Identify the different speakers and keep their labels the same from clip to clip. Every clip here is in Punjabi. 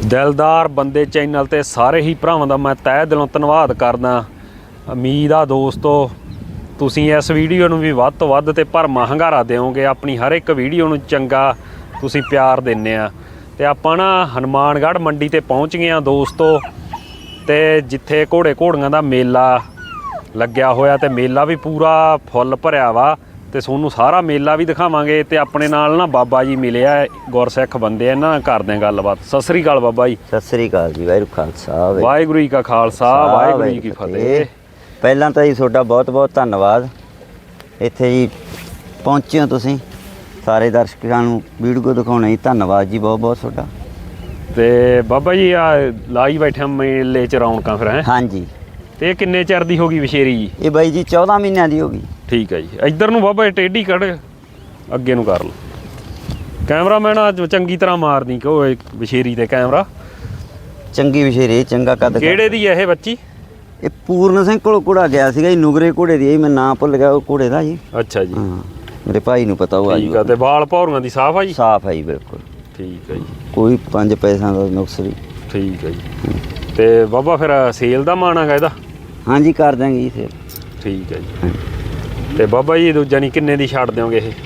Speaker 1: ਦਿਲਦਾਰ ਬੰਦੇ ਚੈਨਲ ਤੇ ਸਾਰੇ ਹੀ ਭਰਾਵਾਂ ਦਾ ਮੈਂ ਤਹਿ ਦਿਲੋਂ ਧੰਨਵਾਦ ਕਰਦਾ। ਉਮੀਦ ਆ ਦੋਸਤੋ ਤੁਸੀਂ ਇਸ ਵੀਡੀਓ ਨੂੰ ਵੀ ਵੱਧ ਤੋਂ ਵੱਧ ਤੇ ਭਰਮਾ ਹੰਗਾਰਾ ਦਿਓਗੇ। ਆਪਣੀ ਹਰ ਇੱਕ ਵੀਡੀਓ ਨੂੰ ਚੰਗਾ ਤੁਸੀਂ ਪਿਆਰ ਦਿੰਦੇ ਆ। ਤੇ ਆਪਾਂ ਨਾ ਹਨੂਮਾਨਗੜ੍ਹ ਮੰਡੀ ਤੇ ਪਹੁੰਚ ਗਏ ਆ ਦੋਸਤੋ, ਤੇ ਜਿੱਥੇ ਘੋੜੇ ਘੋੜੀਆਂ ਦਾ ਮੇਲਾ ਲੱਗਿਆ ਹੋਇਆ ਤੇ ਮੇਲਾ ਵੀ ਪੂਰਾ ਫੁੱਲ ਭਰਿਆ ਵਾ, ਤੇ ਤੁਹਾਨੂੰ ਸਾਰਾ ਮੇਲਾ ਵੀ ਦਿਖਾਵਾਂਗੇ। ਤੇ ਆਪਣੇ ਨਾਲ ਨਾ ਬਾਬਾ ਜੀ ਮਿਲਿਆ, ਗੁਰਸਿੱਖ ਬੰਦੇ, ਇਹਨਾਂ ਨਾਲ ਕਰਦੇ ਆ ਗੱਲਬਾਤ। ਸਤਿ ਸ੍ਰੀ ਅਕਾਲ ਬਾਬਾ ਜੀ।
Speaker 2: ਸਤਿ ਸ੍ਰੀ ਅਕਾਲ ਜੀ। ਵਾਹਿਗੁਰੂ ਖਾਲਸਾ
Speaker 1: ਵਾਹਿਗੁਰੂ ਜੀ ਕਾ ਖਾਲਸਾ ਵਾਹਿਗੁਰੂ ਜੀ ਕੀ ਫਤਿਹ।
Speaker 2: ਪਹਿਲਾਂ ਤਾਂ ਜੀ ਤੁਹਾਡਾ ਬਹੁਤ ਬਹੁਤ ਧੰਨਵਾਦ, ਇੱਥੇ ਜੀ ਪਹੁੰਚੇ ਹੋ ਤੁਸੀਂ। ਸਾਰੇ ਦਰਸ਼ਕਾਂ ਨੂੰ ਵੀਡੀਓ ਦਿਖਾਉਣਾ ਜੀ, ਧੰਨਵਾਦ ਜੀ ਬਹੁਤ ਬਹੁਤ ਤੁਹਾਡਾ।
Speaker 1: ਤੇ ਬਾਬਾ ਜੀ ਆ ਲਾਈ ਬੈਠੇ ਮੇਲੇ 'ਚ ਰੌਣਕਾਂ ਫਿਰ ਹੈ?
Speaker 2: ਹਾਂਜੀ।
Speaker 1: ਤੇ ਇਹ ਕਿੰਨੇ ਚਿਰ ਦੀ ਹੋ ਗਈ ਵਿਸ਼ੇਰੀ ਜੀ?
Speaker 2: ਇਹ ਬਾਈ ਜੀ 14 ਮਹੀਨਿਆਂ ਦੀ ਹੋ ਗਈ।
Speaker 1: ਠੀਕ ਹੈ ਜੀ। ਇੱਧਰ ਨੂੰ ਬਾਬਾ ਟੇਢੀ ਕੱਢ, ਅੱਗੇ ਨੂੰ ਕਰ ਲਓ। ਕੈਮਰਾਮੈਨ ਅੱਜ ਚੰਗੀ ਤਰ੍ਹਾਂ ਮਾਰਦੀ ਕਿ ਉਹ ਵਿਸ਼ੇਰੀ ਤੇ ਕੈਮਰਾ।
Speaker 2: ਚੰਗੀ ਵਿਸ਼ੇਰੀ, ਚੰਗਾ ਕੱਦ।
Speaker 1: ਕਿਹੜੇ ਦੀ ਹੈ ਇਹ ਬੱਚੀ?
Speaker 2: ਇਹ ਪੂਰਨ ਸਿੰਘ ਕੋਲ ਘੋੜਾ ਗਿਆ ਸੀਗਾ ਜੀ, ਨੁਗਰੇ ਘੋੜੇ ਦੀ। ਮੈਂ ਨਾਂ ਭੁੱਲ ਗਿਆ ਉਹ ਘੋੜੇ ਦਾ ਜੀ।
Speaker 1: ਅੱਛਾ ਜੀ।
Speaker 2: ਹਾਂ, ਮੇਰੇ ਭਾਈ ਨੂੰ ਪਤਾ ਉਹ।
Speaker 1: ਠੀਕ ਆ। ਤੇ ਵਾਲ ਭੌਰੀਆਂ ਦੀ ਸਾਫ ਆ ਜੀ?
Speaker 2: ਸਾਫ ਹੈ ਜੀ, ਬਿਲਕੁਲ।
Speaker 1: ਠੀਕ ਹੈ ਜੀ।
Speaker 2: ਕੋਈ 5 ਪੈਸਿਆਂ ਦਾ ਨੁਕਸ ਨਹੀਂ।
Speaker 1: ਠੀਕ ਹੈ ਜੀ। ਤੇ ਬਾਬਾ ਫਿਰ ਸੇਲ ਦਾ ਮਾਣ ਹੈਗਾ ਇਹਦਾ?
Speaker 2: ਹਾਂਜੀ, ਕਰ ਦਾਂਗੇ ਜੀ ਫਿਰ।
Speaker 1: ਠੀਕ ਹੈ ਜੀ। ਤੇ ਬਾਬਾ ਜੀ ਦੂਜਾ ਨਹੀਂ ਕਿੰਨੇ ਦੀ ਛੱਡ ਦਿਓਗੇ ਇਹ?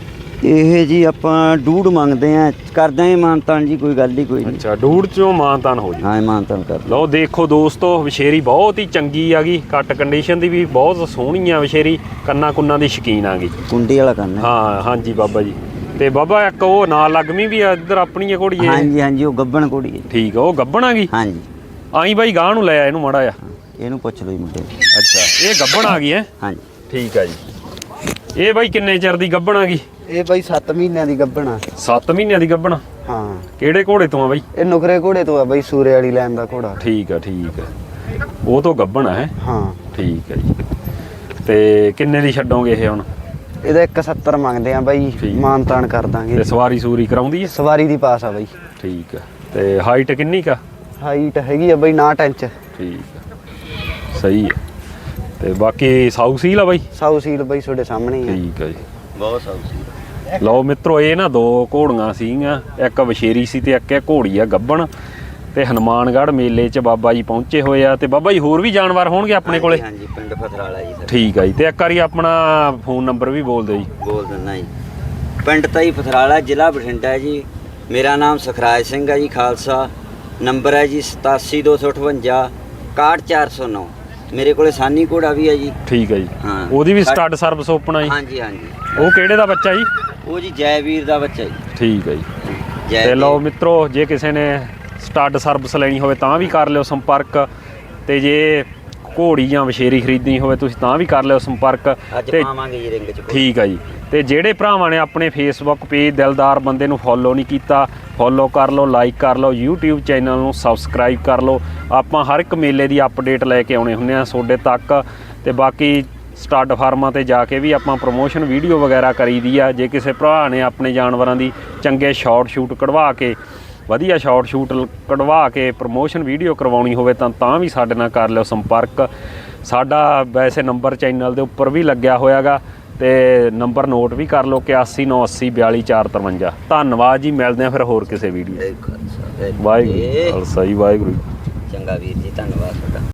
Speaker 2: ਇਹ ਜੀ ਆਪਾਂ 2.5 ਮੰਗਦੇ ਆ, ਕਰ ਦਾਂਗੇ ਮਾਨਤਾਨ ਜੀ, ਕੋਈ ਗੱਲ ਹੀ ਕੋਈ ਨਹੀਂ।
Speaker 1: ਅੱਛਾ, 2.5 ਚੋਂ ਮਾਨਤਾਨ ਹੋ ਜੀ?
Speaker 2: ਹਾਂ, ਮਾਨਤਾਨ ਕਰ
Speaker 1: ਲਓ। ਦੇਖੋ ਦੋਸਤੋ, ਵਿਸ਼ੇਰੀ ਬਹੁਤ ਹੀ ਚੰਗੀ ਆ ਗਈ, ਕੱਟ ਕੰਡੀਸ਼ਨ ਦੀ ਵੀ ਬਹੁਤ ਸੋਹਣੀ ਆ ਵਿਸ਼ੇਰੀ, ਕੰਨਾਂ ਕੁੰਨਾਂ ਦੀ ਸ਼ਕੀਨ ਆ ਗਈ,
Speaker 2: ਕੁੰਡੀ ਵਾਲਾ ਕੰਨ।
Speaker 1: ਹਾਂ ਹਾਂਜੀ ਬਾਬਾ ਜੀ। ਤੇ ਬਾਬਾ ਇੱਕ ਉਹ ਨਾਲ ਲੱਗਵੀਂ ਵੀ ਆ ਇੱਧਰ ਆਪਣੀ ਆ ਘੋੜੀ?
Speaker 2: ਹਾਂਜੀ ਹਾਂਜੀ, ਉਹ ਗੱਬਣ ਘੋੜੀ ਹੈ।
Speaker 1: ਠੀਕ ਆ, ਉਹ ਗੱਬਣ ਆ ਗਈ?
Speaker 2: ਹਾਂਜੀ।
Speaker 1: ਆਈ ਬਾਈ ਗਾਂ ਨੂੰ ਲੈ ਆ ਇਹਨੂੰ ਮਾੜਾ ਆ।
Speaker 2: ਇਹਨੂੰ ਪੁੱਛ ਲਓ ਜੀ ਮੁੰਡੇ।
Speaker 1: ਅੱਛਾ, ਇਹ ਗੱਬਣ ਆ ਗਈ ਹੈ?
Speaker 2: ਹਾਂਜੀ।
Speaker 1: ਠੀਕ ਆ ਜੀ। ਇਹ ਬਾਈ ਕਿੰਨੇ ਚਿਰ ਦੀ ਗੱਬਣ ਆ ਗਈ?
Speaker 2: ਇਹ ਬਾਈ 7 ਮਹੀਨਿਆਂ ਦੀ ਗੱਬਣ ਆ।
Speaker 1: 7 ਮਹੀਨਿਆਂ ਦੀ ਗੱਬਣ?
Speaker 2: ਹਾਂ।
Speaker 1: ਕਿਹੜੇ ਘੋੜੇ ਤੋਂ ਆ ਬਾਈ?
Speaker 2: ਇਹ ਨੁਕਰੇ ਘੋੜੇ ਤੋਂ ਆ ਬਾਈ, ਸੂਰੇ ਵਾਲੀ ਲੈਣ ਦਾ ਘੋੜਾ।
Speaker 1: ਠੀਕ ਆ ਠੀਕ ਆ। ਉਹ ਤੋਂ ਗੱਬਣ ਹੈ?
Speaker 2: ਹਾਂ।
Speaker 1: ਠੀਕ ਹੈ ਜੀ। ਤੇ ਕਿੰਨੇ ਦੀ ਛੱਡੋਗੇ ਇਹ ਹੁਣ?
Speaker 2: ਇਹਦਾ 170 ਮੰਗਦੇ ਆ ਬਾਈ, ਮਾਨਤਾਨ ਕਰ ਦਾਂਗੇ।
Speaker 1: ਤੇ ਸਵਾਰੀ ਸੂਰੀ ਕਰਾਉਂਦੀ ਹੈ?
Speaker 2: ਸਵਾਰੀ ਦੀ ਪਾਸ ਆ ਬਾਈ।
Speaker 1: ਠੀਕ ਆ। ਤੇ ਹਾਈਟ ਕਿੰਨੀ ਕਾ?
Speaker 2: ਹਾਈਟ ਹੈਗੀ ਆ ਬਾਈ 9 ਇੰਚ।
Speaker 1: ਠੀਕ ਆ, ਸਹੀ ਹੈ। ਤੇ ਬਾਕੀ ਸਾਊ ਸੀਲ ਆ ਬਾਈ?
Speaker 2: ਸਾਊ ਸੀਲ ਬਾਈ ਤੁਹਾਡੇ ਸਾਹਮਣੇ ਹੀ ਆ।
Speaker 1: ਠੀਕ ਆ ਜੀ।
Speaker 2: ਬਹੁਤ ਸਾਊ ਸੀਲ।
Speaker 1: ਲਓ ਮਿੱਤਰੋ, ਇਹ ਨਾ 2 ਘੋੜੀਆਂ ਸੀਗੀਆਂ, ਇੱਕ ਵਿਸ਼ੇਰੀ ਸੀ ਤੇ ਇੱਕ ਇਹ ਘੋੜੀ ਆ ਗੱਬਣ। ਤੇ ਹਨੂਮਾਨਗੜ੍ਹ ਮੇਲੇ 'ਚ ਬਾਬਾ ਜੀ ਪਹੁੰਚੇ ਹੋਏ ਆ। ਤੇ ਬਾਬਾ ਜੀ ਹੋਰ ਵੀ ਜਾਨਵਰ ਹੋਣਗੇ ਆਪਣੇ ਕੋਲੇ?
Speaker 2: ਹਾਂਜੀ, ਪਿੰਡ ਫਤਰਾਲਾ ਜੀ ਸਰ।
Speaker 1: ਠੀਕ ਆ ਜੀ। ਤੇ ਇੱਕ ਵਾਰੀ ਆਪਣਾ ਫੋਨ ਨੰਬਰ ਵੀ ਬੋਲ ਦਿਓ ਜੀ।
Speaker 2: ਬੋਲ ਦਿੰਦਾ ਜੀ। ਪਿੰਡ ਤਾਈ ਫਤਰਾਲਾ, ਜ਼ਿਲ੍ਹਾ ਬਠਿੰਡਾ ਹੈ ਜੀ। ਮੇਰਾ ਨਾਮ ਸੁਖਰਾਜ ਸਿੰਘ ਹੈ ਜੀ, ਖਾਲਸਾ। ਨੰਬਰ ਹੈ ਜੀ 87 258 61409। ਮੇਰੇ ਕੋਲੇ ਸਾਨੀ ਘੋੜਾ ਵੀ ਹੈ ਜੀ। ਠੀਕ
Speaker 1: ਹੈ ਜੀ।
Speaker 2: ਹਾਂ,
Speaker 1: ਉਹਦੀ ਵੀ ਸਟੱਡ ਸਰਵਿਸ ਓਪਨ ਆ ਜੀ?
Speaker 2: ਹਾਂਜੀ ਹਾਂਜੀ।
Speaker 1: ਉਹ ਕਿਹੜੇ ਦਾ ਬੱਚਾ ਜੀ?
Speaker 2: ਉਹ ਜੀ ਜੈਵੀਰ ਦਾ ਬੱਚਾ ਜੀ।
Speaker 1: ਠੀਕ ਹੈ ਜੀ। ਤੇ ਲਓ ਮਿੱਤਰੋ, ਜੇ ਕਿਸੇ ਨੇ ਸਟੱਡ ਸਰਵਿਸ ਲੈਣੀ ਹੋਵੇ ਤਾਂ ਵੀ ਕਰ ਲਿਓ ਸੰਪਰਕ। ਤੇ ਜੇ ਘੋੜੀ ਜਾਂ ਵਿਸ਼ੇਰੀ ਖਰੀਦਣੀ ਹੋਵੇ ਤੁਸੀਂ ਤਾਂ ਵੀ ਕਰ ਲਿਓ ਸੰਪਰਕ।
Speaker 2: ਤੇ ਪਾਵਾਂਗੇ ਜੀ ਰਿੰਗ 'ਚ।
Speaker 1: ਠੀਕ ਹੈ ਜੀ। ਤੇ ਜਿਹੜੇ ਭਰਾਵਾਂ ਨੇ ਆਪਣੇ ਫੇਸਬੁੱਕ ਪੇਜ ਦਿਲਦਾਰ ਬੰਦੇ ਨੂੰ ਫੋਲੋ ਨਹੀਂ ਕੀਤਾ, ਫੋਲੋ ਕਰ ਲਓ, ਲਾਈਕ ਕਰ ਲਓ, YouTube ਚੈਨਲ ਨੂੰ ਸਬਸਕ੍ਰਾਈਬ ਕਰ ਲਓ। ਆਪਾਂ ਹਰ ਇੱਕ ਮੇਲੇ ਦੀ ਅਪਡੇਟ ਲੈ ਕੇ ਆਉਣੇ ਹੁੰਦੇ ਆ ਤੁਹਾਡੇ ਤੱਕ। ਤੇ ਬਾਕੀ ਸਟੱਡ ਫਾਰਮਾਂ ਤੇ ਜਾ ਕੇ ਵੀ ਆਪਾਂ ਪ੍ਰਮੋਸ਼ਨ ਵੀਡੀਓ ਵਗੈਰਾ ਕਰੀਦੀ ਆ। ਜੇ ਕਿਸੇ ਭਰਾ ਨੇ ਆਪਣੇ ਜਾਨਵਰਾਂ ਦੀ ਚੰਗੇ ਸ਼ਾਰਟ ਸ਼ੂਟ ਕਢਵਾ ਕੇ, ਵਧੀਆ ਸ਼ਾਰਟ ਸ਼ੂਟ ਕਢਵਾ ਕੇ ਪ੍ਰਮੋਸ਼ਨ ਵੀਡੀਓ ਕਰਵਾਉਣੀ ਹੋਵੇ ਤਾਂ ਵੀ ਸਾਡੇ ਨਾਲ ਕਰ ਲਿਓ ਸੰਪਰਕ। ਸਾਡਾ ਵੈਸੇ ਨੰਬਰ ਚੈਨਲ ਦੇ ਉੱਪਰ ਵੀ ਲੱਗਿਆ ਹੋਇਆ ਗਾ, ਤੇ ਨੰਬਰ ਨੋਟ ਵੀ ਕਰ ਲਓ 8198 42 453। ਧੰਨਵਾਦ ਜੀ। ਮਿਲਦੇ ਆ ਫਿਰ ਹੋਰ ਕਿਸੇ ਵੀਡੀਓ। ਵਾਹਿਗੁਰੂ ਖਾਲਸਾ ਜੀ। ਵਾਹਿਗੁਰੂ।
Speaker 2: ਚੰਗਾ ਵੀਰ ਜੀ, ਧੰਨਵਾਦ ਤੁਹਾਡਾ।